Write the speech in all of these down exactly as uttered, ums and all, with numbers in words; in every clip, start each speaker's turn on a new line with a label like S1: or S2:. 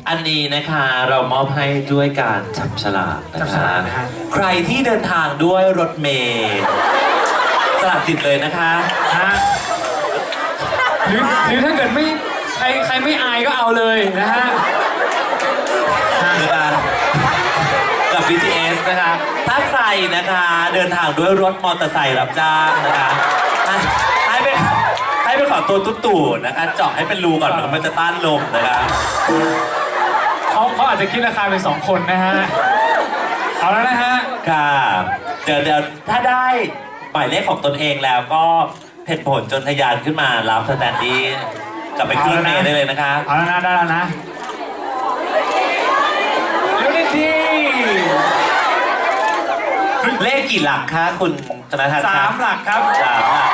S1: อันนี้นะคะเรามอบให้ด้วยการจับฉลากนะ
S2: จับฉ
S1: คะ
S2: ลากนะฮะ
S1: ใครที่เดินทางด้วยรถเมล์สลับสิทธิ์เลยนะคะ
S2: ฮะหรือหรือถ้าเกิดไม่ใครใครไม่อายก็เอาเลยนะฮะ
S1: นะคะกับ บี ที เอส นะคะ ถ้าใครนะคะเดินทางด้วยรถมอเตอร์ไซค์รับจ้างนะคะให้ให้ไปให้ไปขอตัวตุ๊ตู่นะคะเจาะให้เป็นรูก่อนมันจะต้านลมนะคะ
S2: เขาเขาอาจจะคิดราคาเป็นสองคนนะฮะ เอาแล้วนะฮะ
S1: ค่ะเดี๋ยวเดี๋ยวถ้าได้หมายเลขของตนเองแล้วก็เพ่นผลจนทะยานขึ้นมารับสแตนดี้กลับไปขึ้นรถเมล์ได้เลยนะคะ
S2: เอาแล้วนะได้แล้วนะเร็วนิดดี
S1: เลขกี่หลักคะคุณธนทัศน์
S2: สามหลักครับ
S1: สามหลัก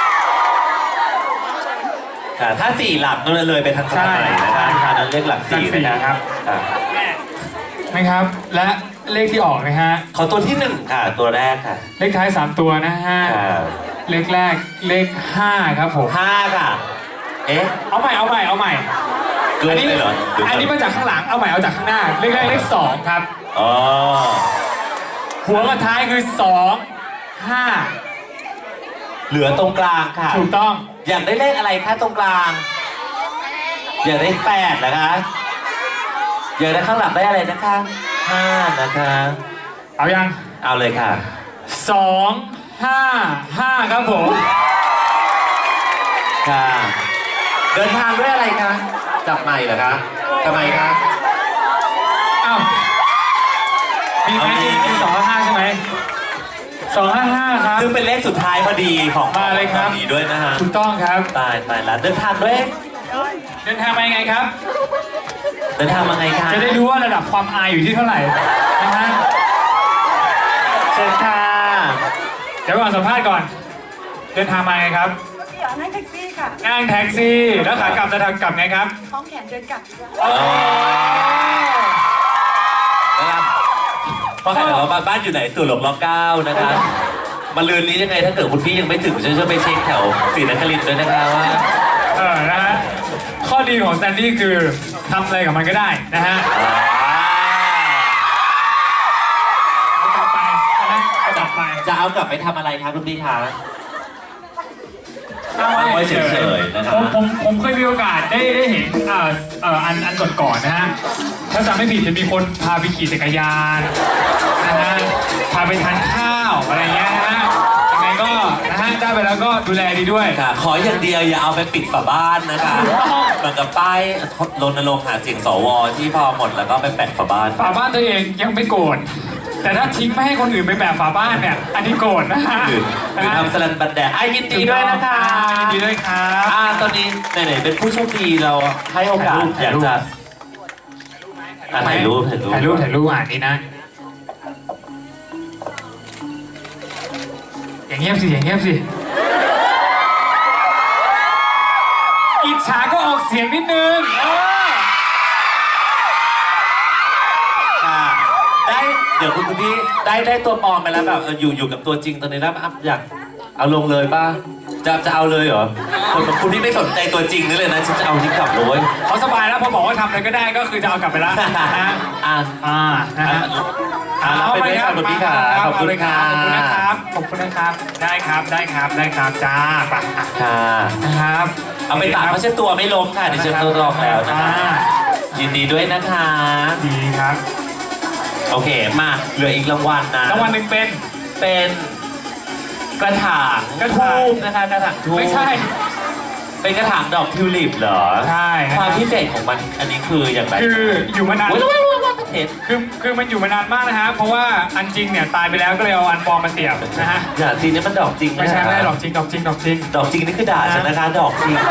S1: ค่ะถ้าสี่หลักนั่นเลยไปทางข้างในนะคะค่ะนั่นเลขหลักสี่นะครับค่ะ
S2: นะครับ และเลขที่ออกนะฮะ
S1: ขอตัวที่หนึ่งค่ะ ตัวแรกค่ะ
S2: เลขท้ายสามตัวนะฮะ
S1: ค่ะ
S2: เลขแรกเลขห้าครับผม
S1: ห้าค่ะ เอ๊ะ
S2: เอาใหม่เอาใหม่เอาใหม่
S1: เกิน
S2: อันนี้
S1: ไปเหรอ
S2: อันนี้มาจากข้างหลังเอาใหม่เอาจากข้างหน้า เลขแรกเลขสองครับ
S1: อ๋อ
S2: หัวกับท้ายคือสองห้า
S1: เหลือตรงกลางค่ะ
S2: ถูกต้อง
S1: อยากได้เลขอะไรคะตรงกลาง อยากได้แปดเหรอคะอยากได้ข้างหลังได้อะไรนะคะห้านะคะ
S2: เอายัง
S1: เอาเลยค่ะ
S2: สองห้าห้าครับผม
S1: ค่ะ เดินทางด้วยอะไรคะจับใหม่เหรอคะทำไมคะ
S2: อ้าวมีไหม
S1: เอามี
S2: มีสองห้าห้าใช่ไหมสองห้าห้าครับ
S1: ซึ่งเป็นเลขสุดท้ายพอดีของ
S2: มาเลยครับ
S1: ของนี้ด้วยนะฮะ
S2: ถูกต้องครับ
S1: ตายตายแล้วเดินทางด้วย
S2: เดินทางไปยังไงครับ
S1: เดินทางมาไงคะ
S2: จะได้รู้ว่าระดับความอายอยู่ที่เท่าไหร่นะฮะ
S1: เชิญค่ะ
S2: เดี๋ยวก่อนสัมภาษณ์ก่อน เดินทางมาไงครับ
S3: เดี๋ยวนั่งแท็กซี่ค่ะ
S2: นั่งแท็กซี่ แล้วขากลับจะทางกลับไงครับ
S3: คล้องแขนเดินกลับดีกว่า
S1: อ๋อนะครับเพราะใครถามว่าบ้านอยู่ไหนตู่หลงล็อกเก้านะคะมาลืนนี้ยังไงถ้าเกิดคุณพี่ยังไม่ถึงช่วยช่วยไปเช็คแถวศรีนครินทร์ด้วยนะคะว่า
S2: เออ นะฮะ ข้อดีของสแตนดี้คือทำอะไรกับมันก็ได้นะฮะเอากลับไปนะเอากลับไป
S1: จะเอากลับไปทำอะไรคะคุณพี่คะ
S2: เอา
S1: เอาไว้
S2: ไว้
S1: เฉ
S2: เฉ
S1: ย
S2: ย
S1: ๆนะค
S2: ๆ
S1: รั
S2: ผ
S1: บ
S2: มผมผมเคยมีโอกาสได้ได้เห็นเอ่อเอ่ออันอันก่อนๆนะฮะ ถ้าจำไม่ผิดจะมีคนพาไปขี่จักรยานนะฮะ พาไปทานข้าวอะไรเงี้ยนะฮะยังไงก็นะฮะได้ไปแล้วก็ดูแลดีด้วย
S1: ค่ะ ขออย่างเดียวอย่าเอาไปปิดฝาบ้านนะคะเหมือนกับป้ายรณรงค์หาเสียงสวที่พอหมดแล้วก็ไปแปะฝาบ้าน
S2: ฝาบ้านตัวเองยังไม่โกรธแต่ถ้าทิ้งไม่ให้คนอื่นไปแบบฝาบ้านเนี่ย อันนี้โกรธนะฮะ
S1: หรือหรือทำสลันบันแดดไอ้ยินดีด้วยนะคะ
S2: ยินดีด้วยครับ
S1: อ่าตอนนี้ไหนๆเป็นผู้โชคดีเราให้โอกาสอยากจะอ่ะถ่ายรูปถ่ายรูป
S2: ถ่ายรูปถ่ายรูปอ่านนี้นะ อย่างเงียบสิอย่างเงียบสิอิจฉาก็ออกเสียงนิดนึงเออ
S1: ค่ะได้เดี๋ยวคุณคุณพี่ได้ได้ตัวปลอมไปแล้วแบบเอออยู่อยู่กับตัวจริงตอนนี้แล้วอ่ะอยากเอาลงเลยป่ะจะจะเอาเลยเหรอคนคุณพี่ไม่สนใจตัวจริงนี่เลยนะฉันจะเอาที่กลับเลย
S2: เขาสบายแล้วพอบอกว่าทำอะไรก็ได้ก็คือจะเอากลับไปแล้วนะฮะ
S1: อ่ะ
S2: อ่านะฮะ
S1: อ่ะไปเลยครับคุณพี่ค่ะขอบคุณ
S2: ค
S1: ค่ะ
S2: รับขอบคุณนะครับ ได้ครับได้ครับได้ครับจ้าไปอ่ะ
S1: ค่ะ
S2: นะครับ
S1: เอาไปตากเพราะเช็ดตัวไม่ล้มค่ะเดี๋ยวเช็ดตัวรองแล้วนะคะ
S2: อ่า
S1: ยินดีด้วยนะคะ
S2: ดีครับ
S1: โอเคมาเหลืออีกรางวัลนะ
S2: รางวัลหนึ่งเป็น
S1: เป็นกระถาง
S2: กระถาง
S1: ทูบนะคะกระถางทูบ
S2: ไม่ใช่
S1: เป็นกระถางดอกทิวลิปเหรอ
S2: ใช่นะ
S1: ความ
S2: รับ
S1: พิเศษของมันอันนี้คืออย่างไร
S2: คืออยู่มานาน
S1: โอ้ยว้ายว้ายว้ายเห็น
S2: คือคือมันอยู่มานานมากนะฮะเพราะว่าอันจริงเนี่ยตายไปแล้วก็เลยเอาอันปลอมมาเสียบนะฮะ
S1: อย่าจริงนี่มันดอกจริงนะ
S2: ไม่ใช่ไม่ได้ดอกจริงดอกจริงดอกจริง
S1: ดอกจริงนี่คือด่าฉันนะคะดอกจริง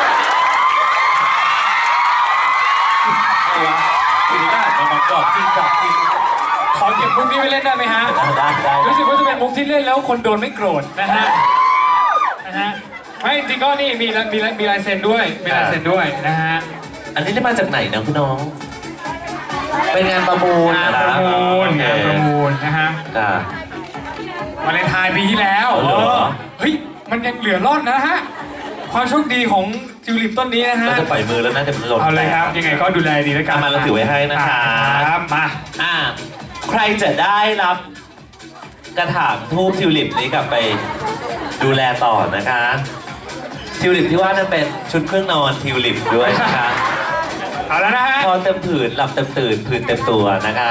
S1: อะไรวะคือด่ามันบอกดอกจริงดอกจริง
S2: ขอเก็บมุกนี้ไว้เล่นได้ไหมฮะ
S1: ได้ได้ได้
S2: รู้สึกว่าจะเป็นมุกที่เล่นแล้วคนโดนไม่โกรธนะฮะนะฮะไม่จริงก็นี่มีมีมีลายเซ็นด้วยมีลายเซ็นด้วยนะฮะ
S1: อันนี้ได้มาจากไหนนะคุณน้อง เป็นงานประมูล
S2: งานประมูล
S1: โอเค
S2: งานประมูลนะฮะ
S1: ค่ะ
S2: วาเลนไทน์ปีที่แล้ว
S1: อ๋อเหรอ
S2: เออเฮ้ยมันยังเหลือรอดนะฮะความโชคดีของจทิวลิปต้นนี้นะฮะ
S1: เราจะปล่อยมือแล้วน่าจะหล่น
S2: เอาเลยครับ ยังไงก็ดูแลดีแล้วกัน
S1: เอามาเราถือไว้ให้นะคะ
S2: ครับมา
S1: อ่าใครจะได้รับกระถางทูบทิวลิปนี้กลับไปดูแลต่อนะคะทิวลิปที่ว่านั้นเป็นชุดเครื่องนอนทิวลิปด้วยนะคะ
S2: เอาแล้วนะฮะ
S1: พอเต็มผืนหลับเต็มตื่นผืนเต็มตัวนะคะ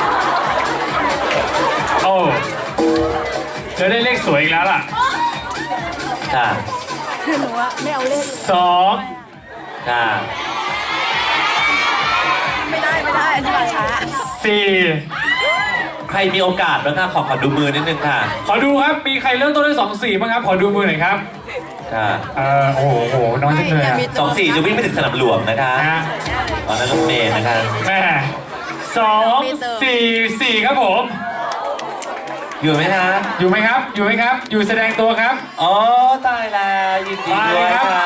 S2: โอ้จะได้เลขสวยอีกแล้วล่ะ
S1: ค่ะ
S3: คือหนูอะไม่เอาเลข
S2: สอง
S1: ค่ะ
S3: ไม่ได้ไม่ได้อันนี้มาช้า
S2: สี่
S1: ใครมีโอกาสบ้างคะขอขอดูมือนิดนึงค่ะ
S2: ขอดูครับ มีใครเริ่มต้นด้วยสองสี่บ้างครับ ขอดูมือหน่อยครับ
S1: ค่ะ
S2: เออโอ้โหโอ้โหน้องจังเลยอะ
S1: สองสี่จะวิ่งไปถึงสนามหลวงนะคะ
S2: นะฮะ
S1: ตอนนั้นรถเมย์นะคะ
S2: แม่สองสี่สี่ครับผม
S1: อยู่ไหมคะ
S2: อยู่ไหมครับ อยู่ไหมครับ อยู่แสดงตัวครับ
S1: อ๋อตายแล้วยินดีด้วย
S2: มาเลยครับ
S1: ค่ะ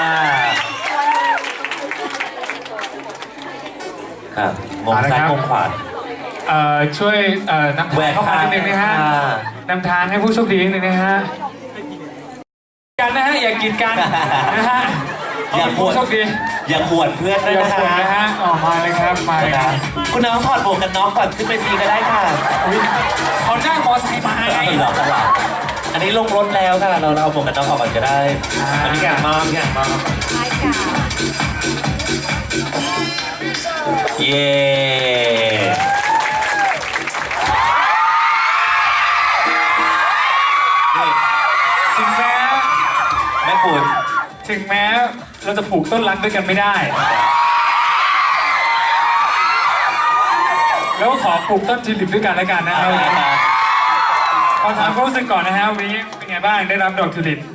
S1: ครับงงซ้ายงงขวา
S2: เอ่อช่วยเอ่อนำ
S1: แหว
S2: ทาง
S1: ก
S2: เข้ามา
S1: ทาง
S2: นิดนึงนะฮะ
S1: ค่ะ
S2: นำทางให้ผู้โชคดีนิดนึงนะฮะกันนะฮะอย่ากีดกันนะฮะ
S1: อย่าขว
S2: ผู้
S1: ด
S2: โชคดี
S1: อย่าขวดเพื่อนด้วย
S2: อย่า
S1: นะ
S2: ขวดนะ
S1: คะ
S2: ฮะออกมาเลยครับมาเลย
S1: นะ
S2: ค
S1: คะ
S2: รับ
S1: คุณน้องถอดหมวกกันน็อกก่อนขึ้นไปทีก็ได้ค่ะ
S2: อุ๊ยเขาหน้ามอไซค์มาไง
S1: ไม่หรอกหรอกอันนี้ลงรถแล้วค่ะเราเราเอาหมวกกันน็อกออกก่อนก็ได้
S2: อ่า
S1: อันนี้แกงมากแกงมาก
S3: ท้ายกา
S1: เย้นี่
S2: ถึงแม้
S1: แม่คุณ
S2: ถึงแม้เราจะปลูกต้นรักด้วยกันไม่ได้ แล้วก็ขอปลูกต้นทิวลิปด้วยกันแล้วกันนะค
S1: เอา
S2: รับ
S1: เลยค่ะ
S2: ขอถามความรู้สึกก่อนนะฮะวันนี้เป็นไงบ้างได้รับดอกทิวลิป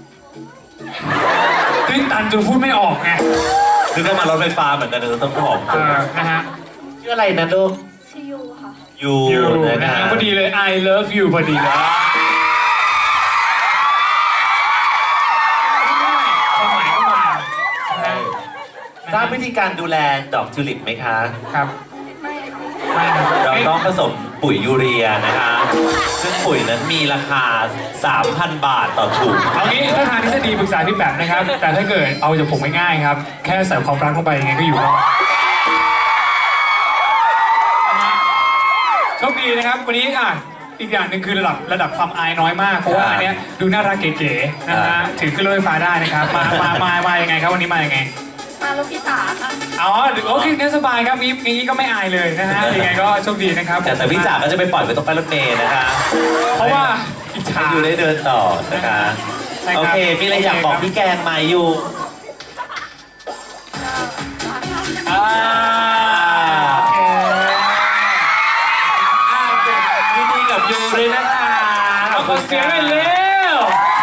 S2: ตื้นตันจนพูดไม่ออกไง
S1: คือก็มารถไฟฟ้าเหมือนกันเลยต้องหอม
S2: เออนะฮะ
S1: ชื่ออะไรนะลูก
S3: ชิยูค่ะ
S1: ยู
S2: อยู่
S1: นะ
S2: นะ
S1: คะ
S2: ฮะพอดีเลย I love you พอดีเลยความหมายก็มานะฮะ
S1: ทราบวิธีการดูแลดอกทิวลิปไหมคะ
S2: ครับ
S3: ไม่
S2: ไม่นะ
S1: เรา
S2: เอ๊ะ
S1: ต้องผสมปุ๋ยยูเรียนะคะ ซึ่งปุ๋ยนั้นมีราคา สามพัน บาทต่อถุง
S2: เอางี้ถ้าทางทฤษฎีปรึกษาพี่แบบนะครับ แต่ถ้าเกิดเอาจากผมง่ายๆครับ แค่ใส่ความรักลงไปยังไงก็อยู่รอดนะฮะโชคดีนะครับวันนี้อ่ะอีกอย่างหนึ่งคือระดับระดับความอายน้อยมาก เพราะว่าอันเนี้ยดูน่ารักเก๋ๆนะฮะถือขึ้นรถไฟฟ้าได้นะครับ มามามามายังไงครับวันนี้มายังไง
S3: มารถพี่สาค่ะ
S2: อ๋อโอเคงั้นสบายครับงี้งี้ก็ไม่อายเลยนะฮะยังไงก็โชคดีนะครับ
S1: แต่แต่พี่จ๋าก็จะไปปล่อยไว้ตรงป้ายรถเมล์นะคะ
S2: เพราะว่าอิจฉา
S1: ให้ยูได้เดินต่อนะคะ
S2: ใช่ครับ
S1: โอเค มีอะไรอยากบอกพี่แกงไหมยูอ่า
S2: โอเค
S1: อ่ายินดีกับยูเลยนะคะ
S2: เอาขอเสียงหน่อยเร็ว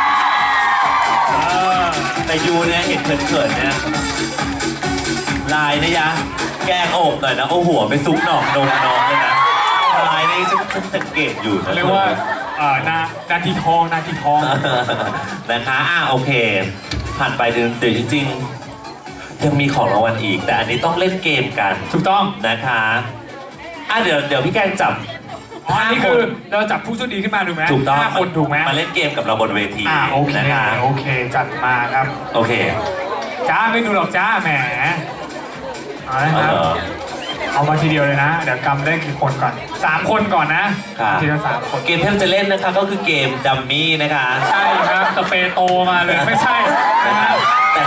S1: แต่ยูเนี่ยเห็นเขินๆเนี่ยลายนะยะ แกงอกหน่อยนะเอาหัวไปซุกหนองนมน้องเลยนะลายนี่ฉันฉันสังเกตอยู่นะ
S2: เรียกว่าเอ่อนานาทีทองนาทีทอง
S1: นะคะอ่ะโอเค ผ่านไปเดือนเดี๋ยวจริงๆ ยังมีของรางวัลอีก แต่อันนี้ต้องเล่นเกมกัน
S2: ถูกต้อง
S1: นะคะอ่ะเดี๋ยวเดี๋ยวพี่แกงจับ
S2: อ๋ออันนี้คือเราจับผู้โชคดีขึ้นมาถูกไหม
S1: ถูกต้อง
S2: ห้าคนถูกไหม
S1: มาเล่นเกมกับเราบนเวที
S2: อ่าโอเค
S1: นะคะ
S2: โอเคจัดมาครับ
S1: โอเค
S2: จ้าไม่ดูหรอกจ้าแหมเอาละ
S1: เอา
S2: ครับ
S1: เหรอ
S2: เอามาทีเดียวเลยนะ เดี๋ยวกำได้กี่คนก่อนสามคนก่อนนะครับ ทีละสามคน
S1: เกมที่เราจะเล่นนะคะก็คือเกมดัมมี่นะคะ
S2: ใช่ครับสเปรย์โตมาเลยไม่ใช่นะฮะ
S1: แต่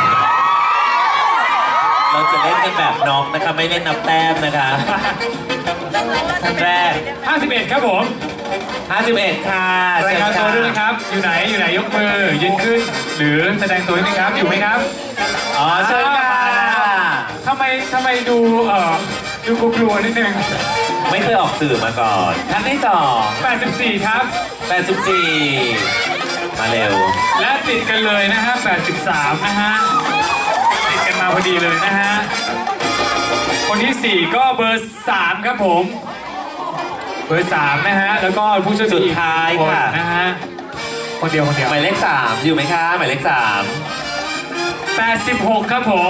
S1: เราจะเล่นกันแบบน็อกนะคะไม่เล่นนับแต้มนะคะท่านแรก
S2: ห้าสิบเอ็ดครับผม
S1: ห้าสิบเอ็ดค่ะ
S2: รายงานตัวด้วยนะครับ อยู่ไหนอยู่ไหนยกมือยืนขึ้น หรือแสดงตัวด้วยนะครับอยู่ไหมครับ
S1: อ๋อเชิญค่ะ
S2: ทำไมทำไมดูเอ่อดูกลัวๆนิดนึง
S1: ไม่เคยออกสื่อมาก่อนท่านที่สอง
S2: แปดสิบสี่ครับ
S1: แปดสิบสี่มาเร็ว
S2: และติดกันเลยนะฮะแปดสิบสามนะฮะติดกันมาพอดีเลยนะฮะคนที่สี่ก็เบอร์สามครับผมเบอร์สามนะฮะแล้วก็ผู้ช่วย
S1: สุดท้าย
S2: คน
S1: ค่ะ
S2: นะฮะคนเดียวคนเดียว
S1: หมายเลขสามอยู่ไหมคะหมายเลขสาม
S2: แปดสิบหกครับผม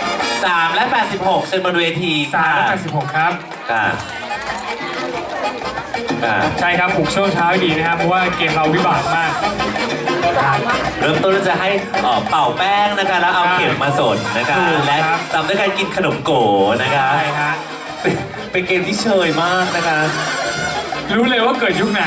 S1: สามและแปดสิบหกเชิญบนเวที
S2: สา
S1: ค่ะ
S2: มและแปดสิบหกครับ
S1: ค่ะอ่า
S2: ใช่ครับปลุกช่วงเช้าให้ดีนะครับเพราะว่าเกมเราวิบากมาก
S1: เริ่มต้นจะให้เอ่อเป่าแป้งนะคะแล้วเอาเข็มมาสดนะคะและตามด้วยการกินขนมโกนะคะ
S2: ใช่ฮะ
S1: เป็นเป็นเกมที่เชยมากนะคะ
S2: รู้เลยว่าเกิดยุคไหน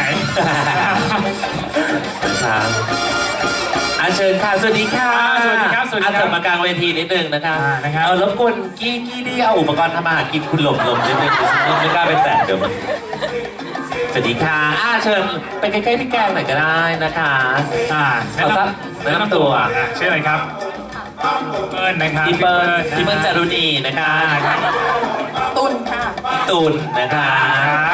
S1: ครับอาเชิญค่ะสวัสดีค่ะ
S2: สวัสดีครับสวัสดีครับ
S1: อาเชิญมากลางเวทีนิดนึงนะคะ
S2: อ่านะครับ
S1: เอารบกวนกี้กี้ที่เอาอุปกรณ์ทำอาหารกินคุณหลบหลบนิดนึงไม่กล้าไปแตะเดี๋ยวมันสวัสดีค่ะอาเชิญไปใกล้ๆพี่แกงหน่อยก็ได้นะคะ
S2: อ่าแนะ
S1: เอา
S2: น
S1: ซะ
S2: ำ
S1: แนะนำตัว
S2: อ่ะชื่ออะไรครับเปิ้ลนะครับ
S1: พี่เปิ้ล
S2: นะ
S1: พี่เปิ้ลจารุณีนะคะ
S2: อ่าครับ
S3: ตุนค่ะ
S1: ตูนนะคะ
S2: ครับ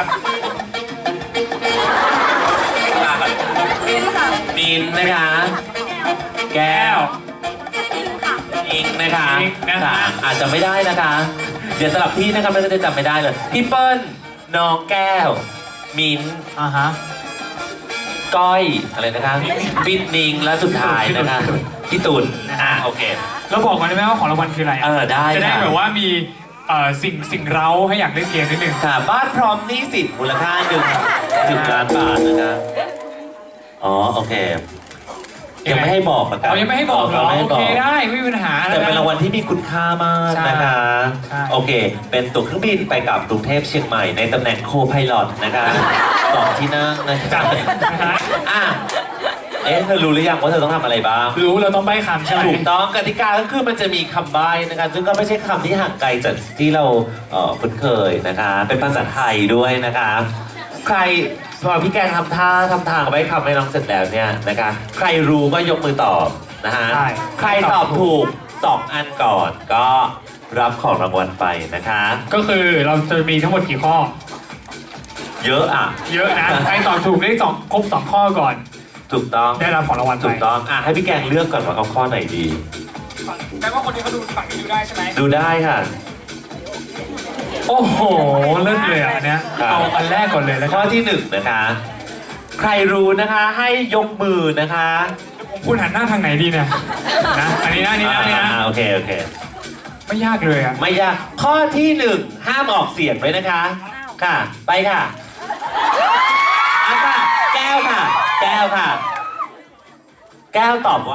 S3: มินค่ะ
S1: มินนะคะ แก้
S2: แก้
S1: ว
S2: ว
S3: มินค่ะ
S1: อิงนะคะ
S2: อิงนะคะ
S1: ค่ะอาจจะไม่ได้นะคะ เดี๋ยวสลับที่นะคะไม่งั้นจะจำไม่ได้เลย พี่เปิ้ล น้องแก้ว มิน
S2: อ่าฮะ
S1: ก้อย อะไรนะคะปิดนิง และสุดท้ายนะคะ พี่ตุลอ่ะโอเค
S2: เราบอกก่อนได้ไหมว่าของรางวัลคืออะไระ
S1: เออได้
S2: จะได้
S1: ค่ะ
S2: แบบว่ามีเอ่อสิ่งสิ่งเร้าให้อยากเล่นเกมนิดนึง
S1: ค่ะ บ้านพร้อมหนี้สินมูลค่าหนึ่งสิบล้านบาทนะคะ อ๋อ โอเค ยังไม่ให้บอกนะครั
S2: เรายังไม่ให้บอกเหรอ
S1: ไม่ให้
S2: โอบ
S1: อ
S2: เค
S1: ก
S2: ได้ไม่มีปัญหา
S1: แต่เป็นรางวัลที่มีคุณค่ามากนะคะ
S2: ใช่
S1: โอเค เป็นตั๋วเครื่องบินไปกับกรุงเทพเชียงใหม่ในตำแหน่งโคไพลอตนะคะสองที่นั่งนะ
S2: จั
S1: คะ
S2: ดนะฮะ
S1: อ่ะ เอ๊ะเธอรู้หรือยังว่าเธอต้องทำอะไรบ้าง
S2: รู้เราต้องใบ้คำใช่ไหม
S1: ถูกต้องกติกาก็คือมันจะมีคำใบ้นะคะซึ่งก็ไม่ใช่คำที่ห่างไกลจากที่เราเอ่อคุ้นเคยนะคะ เป็นภาษาไทยด้วยนะคะ ใครพอพี่แกงทำท่าทำทางใบ้คำให้น้องเสร็จแล้วเนี่ยนะคะ ใครรู้ก็ยกมือตอบนะฮะ
S2: ใช่
S1: ใครตอบถูกสองอันก่อนก็รับของรางวัลไปนะคะ
S2: ก็คือเราจะมีทั้งหมดกี่ข้อ
S1: เยอะอ่ะ
S2: เยอะนะใครตอบถูกได้สองครบสองข้อก่อน
S1: ถูกต้อง
S2: ได้รับของรางวัลไป
S1: ถูกต้องอ่ะให้พี่แกงเลือกก่อนว่าเอาข้อไหนดี
S2: แปลว่าคนนี้เขาดูฝั่งนี้ดูได้ใช่ไหม
S1: ดูได้ค่ะ
S2: โอ้โหเลิศเลยอ่ะอันเนี้ย
S1: ครับ
S2: เอาอันแรกก่อนเลยแล้ว
S1: ข้
S2: ก็
S1: อที่หนึ่งนะคะ ใครรู้นะคะให้ยกมือนะคะ
S2: ผมพูดหันหน้าทางไหนดีเนี่ยนะอันนี้นะอันนี้นะอันนี้นะ
S1: อ่าโอเคโอเค
S2: ไม่ยากเลยอ่ะ
S1: ไม่ยากข้อที่หนึ่งห้ามออกเสียงไว้นะคะ ค่ะ ไปค่ะอ่ะค่ะ แก้วค่ะ แก้วค่ะ แก้วตอบว่า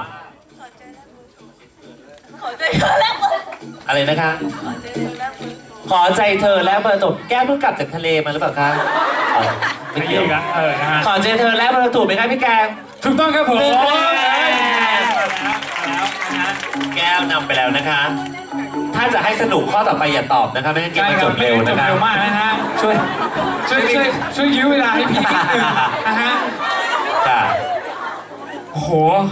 S3: ขอใจเธอแล้วมือ
S1: อะไรนะคะ
S3: ขอใจเธอแล้วมือ
S1: ขอใจเธอแล้วเบอร์ตกแก้วเพิ่งกลับจากทะเลมาหรือเปล่าคะอ๋อไม่
S2: ไม่
S1: เกี่ยว
S2: ดีกันเออนะฮะ
S1: ขอใจเธอแล้วเบอร์ถูกไหมคะพี่แกง
S2: ถูกต้องครับผม
S1: หนึ่งคะแนน
S2: แล้วนะฮะ
S1: แก้วนำไปแล้วนะคะ ถ้าจะให้สนุกข้อต่อไปอย่าตอบนะคะไม่งั้นเกม
S2: ใช่
S1: มัน
S2: ค
S1: จ
S2: รับบ
S1: เร็ว
S2: จ
S1: นะ
S2: บ
S1: คะ
S2: เร็วมากนะฮะ
S1: ช่วย
S2: ช่วยช่วยช่วยยื้อเวลาให้พี่นิดนึงนะฮะ
S1: ค่ะ
S2: โอ้โห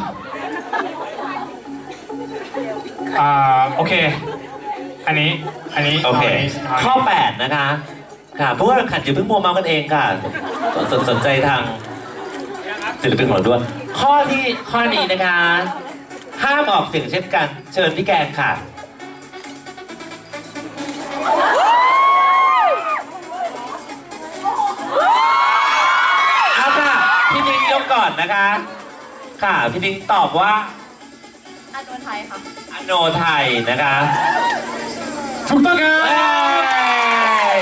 S2: อ่าโอเค อันนี้อันนี้
S1: โอเค
S2: านี้
S1: ข้อแปดนะคะค่ะผู้ว่าแข่งขันอย่าเพิ่งมัวเมากันเองค่ะสนสนใจทางศิลปินของเราด้วย ข้อที่ข้อนี้นะคะ ห้ามออกเสียงเช่นกัน เชิญพี่แกงค่ะ เอาค่ะ พี่นิ้งยกก่อนนะคะ ค่ะ พี่นิ้งตอบว่า
S3: อันโนไทยค่ะ
S1: อโนไทยนะคะ
S2: ถูกต้องครับ
S1: เอ้ย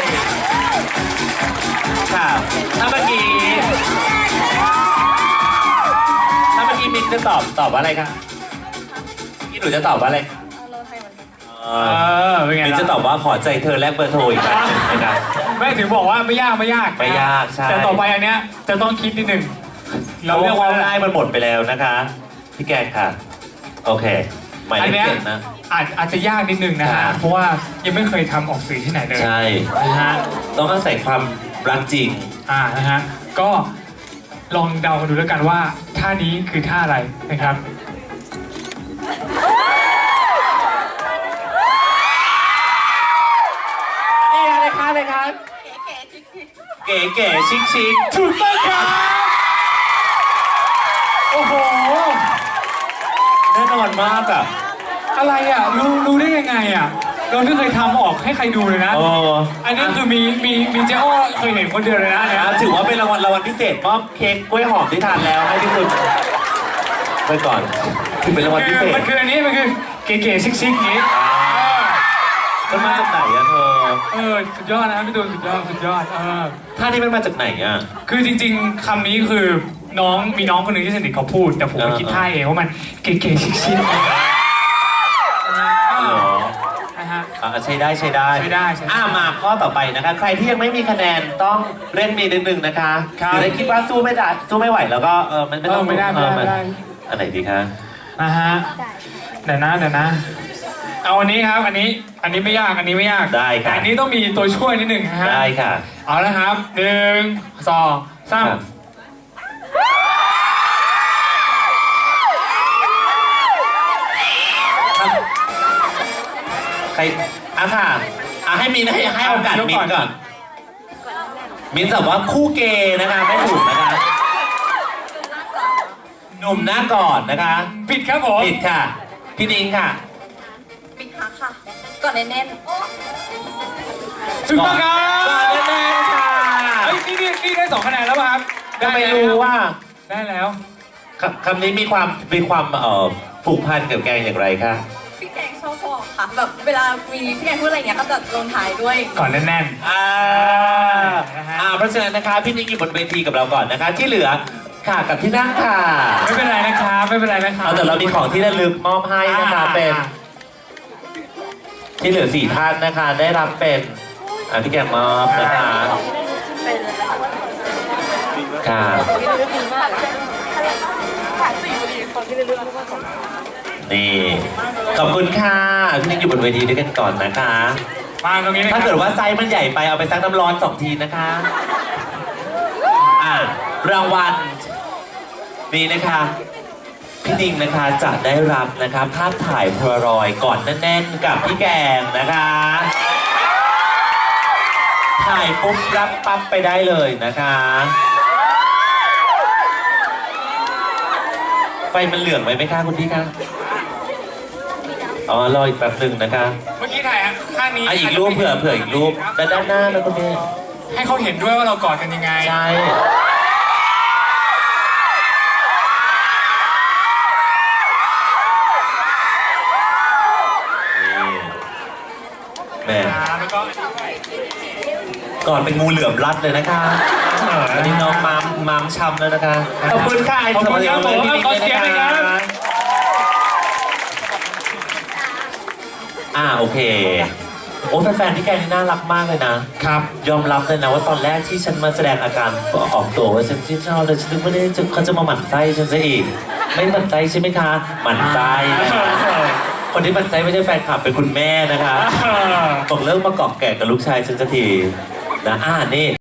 S1: ค่ะ ถ้าเมื่อกี้ ถ้าเมื่อกี้มินจะตอบตอบว่าอะไรคะพี่หนูจะตอบว่าอะไร
S3: อันโนไทยเหมือนกันค่ะ
S1: เอ
S2: เอ
S1: อ
S2: อเป็นไง
S1: มิน
S2: ล่ะ
S1: จะตอบว่าขอใจเธอแลกเบอร์โทรอีกครั้งหนึ่งนะครับ
S2: ไม่ถึงบอกว่าไม่ยากไม่ยาก
S1: ไม่ยากใช่
S2: แต่ต่อไปอันเนี้ยจะต้องคิดนิดนึง
S1: เรา
S2: เรา
S1: เรี
S2: เรี
S1: ย
S2: ย
S1: ก
S2: ก
S1: ว่า
S2: ว่า
S1: ง่ายมันหมดไปแล้วนะคะ พี่แกงค่ะ โอเคหมาย
S2: อัน
S1: เลข
S2: เนี้ย
S1: เจ็ดนะ
S2: อาจอาจจะยากนิดนึงนะ
S1: ครั
S2: ฮะ
S1: บ
S2: เพราะว่ายังไม่เคยทำออกสื่อที่ไหนเลย
S1: ใช่
S2: นะฮะ
S1: ต้องอาศัยความรักจริง
S2: อ่านะฮะก็ลองเดากันดูแล้วกันว่าท่านี้คือท่าอะไรนะครับ
S1: นี่อะไรคะอะไรคะ
S3: เก๋ๆจิ๊ก
S1: เก๋ๆชิคชิค
S2: ถูกต้องครับโอ้โห
S1: ๆแน่นอนมากอ่ะ
S2: อะไรอ่ะรู้รู้ได้ยังไงอ่ะเราไม่เคยทำออกให้ใครดูเลยนะ
S1: โอ้
S2: อันนี้คือมีมีมีเจ้อ้อเคยเห็นคนเดียวเลยนะเนี่ย
S1: อ่ะถือว่าเป็นรางวัลรางวัลพิเศษมอบเค้กกล้วยหอมที่ทานแล้วให้ที่คุณไปก่อนคือเป็นรางวัล
S2: คื
S1: พิ
S2: อ
S1: เศษ
S2: มันคืออันนี้มันคือเก๋ๆชิคๆอย่างนี้
S1: มันมาจากไหนอะเธอ
S2: เออสุดยอดนะครับพี่ตูนสุดยอดสุดยอดเออ
S1: ท่านี้มันมาจากไหนอ่ะ
S2: คือจริงๆคำนี้คือน้องมีน้องคนหนึ่งที่สนิทเขาพูด แต่ผมไปคิดท่าเองว่ามันเก๋ๆชิคๆ
S1: เหรอ
S2: นะฮะ
S1: อ่ะใช้ได้ใช้ได้
S2: ใช้ได้ใช้ได้
S1: อ่ามาข้อต่อไปนะคะ ใครที่ยังไม่มีคะแนนต้องเร่งมีนิดนึงนะคะ
S2: ครับ
S1: หรือถ้าคิดว่าสู้ไม่ได้สู้ไม่ไหวแล้วก็เออมันไม่ต้อง
S2: เออไม่ได้ไม่ได้
S1: เออ
S2: ไม่ได้
S1: อันไหนดีคะ
S2: นะฮะเดี๋ยวนะเดี๋ยวนะ เอาอันนี้ครับอันนี้อันนี้ไม่ยากอันนี้ไม่ยาก
S1: ได้
S2: แต่
S1: ค่ะ
S2: อันนี้ต้องมีตัวช่วยนิดหนึ่งนะฮะ
S1: ได้ค่ะ
S2: เอาละครับหนึ่งสองสาม
S1: ครับครับใครอ่ะค่ะอ่ะให้มินให้ให้โอกาสมินก่อน มินตอบว่าคู่เกย์นะคะไม่ถูกนะคะหนุ่มหน้าก่อนนะคะ
S2: ผิดครับผม
S1: ผิดค่ะ พี่นิ้งค่ะ
S3: ปิดฮักค่ะ ก่อนแน่น
S2: ถูกต้องครับ
S1: ก่อนแน่ๆค่ะ
S2: เฮ้ยนี่นี่นี่ได้สองคะแนนแล้วป่ะครับ
S1: ก็ไม่รู้ว่า
S2: ได้แล้ว
S1: คำคำนี้มีความมีความเอ่อผูกพันกับแกงอย่างไรคะ
S3: ๆพี่แกงชอบบอกค่ะ แบบเวลามีพี่แกงพูดอะไรอย่างเงี้ยก็จะลงท้ายด้วย
S2: ก่อนแน่น
S1: อ่า
S2: นะฮะ
S1: อ่าเพราะฉะนั้นนะคะพี่นิ้งอยู่บนเวทีกับเราก่อนนะคะ ที่เหลือค่ะกับที่นั่งค่ะ
S2: ๆไม่เป็นไรนะครับไม่เป็นไรนะครับ
S1: เอาแต่เรามีของที่ระลึกมอบให้นะคะ
S2: อ่า
S1: เป็น ที่เหลือสี่ท่านนะคะ ได้รับเป็นอ่าพี่แกงมอบนะคะค่ะ นี่ขอบคุณค่ะพี่นิกอยู่บนเวทีด้วยกันก่อนนะคะ
S2: มาตรงนี้นะค
S1: ถ้า
S2: รับ
S1: เกิดว่าไซส์มันใหญ่ไปเอาไปซักน้ำร้อนสองทีนะคะอ่ารางวัลนี่นะคะพี่ดิงนะคะจะได้รับนะคะภาพถ่ายโพลารอยด์ก่อนแน่นๆกับพี่แกงนะคะ ถ่ายปุ๊บรับปั๊บไปได้เลยนะคะ ไฟมันเหลืองไหมไหมคะคุณพี่คะอ๋อรออีกแป๊บหนึ่งนะคะ
S2: เมื่อกี้ถ่ายข้างนี้
S1: อ่ะอีกรูปเผื่อเผื่ออีกรูปด้านด้านหน้านะคุณพี่
S2: ให้เขาเห็นด้วยว่าเรากอดกันยังไง
S1: ใช่นี่แม่
S2: แล้วก็
S1: ก่อนเป็นงูเหลือมรัดเลยนะคะอันนี้น้องมามมามช้ำแล้วนะคะ ขอบคุณค่ะไอ้
S2: ขอบคุณครับผม
S1: พี่
S2: ขอเสียงหน่อยครับ
S1: อ่าโอเค โอ้แฟนๆพี่แกนี่น่ารักมากเลยนะ
S2: ครับ
S1: ยอมรับเลยนะว่าตอนแรกที่ฉันมาแสดงอาการออกตัวว่าฉันชื่นชอบเลยฉันนึกว่าเนี่ยเขาจะมาหมั่นไส้ฉันซะอีก ไม่หมั่นไส้ใช่ไหมคะ หมั่นไส้นะคะคนที่หมั่นไส้ไม่ใช่แฟนคลับเป็นคุณแม่นะคะบอกเลิกมาเกาะแก่กับลูกชายฉันสักทีนะอ่านี่